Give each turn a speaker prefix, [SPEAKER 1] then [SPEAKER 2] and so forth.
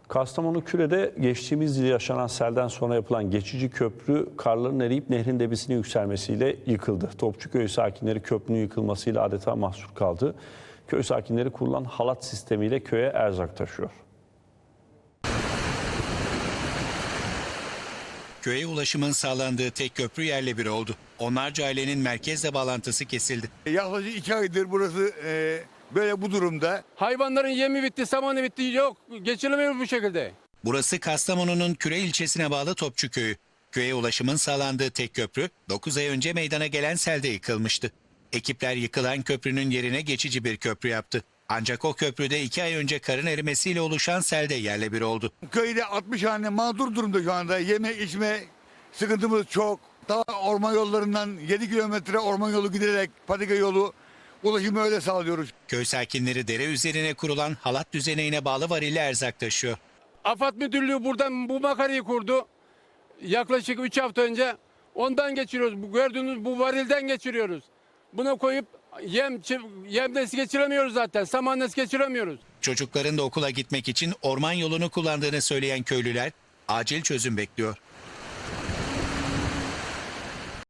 [SPEAKER 1] Kastamonu Küre'de geçtiğimiz yıl yaşanan selden sonra yapılan geçici köprü karların eriyip nehrin debisine yükselmesiyle yıkıldı. Topçuköy sakinleri köprünün yıkılmasıyla adeta mahsur kaldı. Köy sakinleri kurulan halat sistemiyle köye erzak taşıyor.
[SPEAKER 2] Köye ulaşımın sağlandığı tek köprü yerle bir oldu. Onlarca ailenin merkezle bağlantısı kesildi.
[SPEAKER 3] Yaklaşık 2 aydır burası böyle bu durumda.
[SPEAKER 4] Hayvanların yemi bitti, samanı bitti. Yok, geçilemiyor bu şekilde.
[SPEAKER 2] Burası Kastamonu'nun Küre ilçesine bağlı Topçuköy'ü. Köye ulaşımın sağlandığı tek köprü 9 ay önce meydana gelen selde yıkılmıştı. Ekipler yıkılan köprünün yerine geçici bir köprü yaptı. Ancak o köprüde 2 ay önce karın erimesiyle oluşan selde yerle bir oldu.
[SPEAKER 3] Köyde 60 hane mağdur durumda şu anda. Yeme içme sıkıntımız çok. Daha orman yollarından 7 kilometre orman yolu giderek patika yolu ulaşımı öyle sağlıyoruz.
[SPEAKER 2] Köy sakinleri dere üzerine kurulan halat düzeneğine bağlı varille erzak taşıyor.
[SPEAKER 4] AFAD Müdürlüğü buradan bu makarayı kurdu. Yaklaşık 3 hafta önce ondan geçiriyoruz. Bu gördüğünüz bu varilden geçiriyoruz. Buna koyup yem nesi geçiremiyoruz zaten. Saman nesi geçiremiyoruz.
[SPEAKER 2] Çocukların da okula gitmek için orman yolunu kullandığını söyleyen köylüler acil çözüm bekliyor.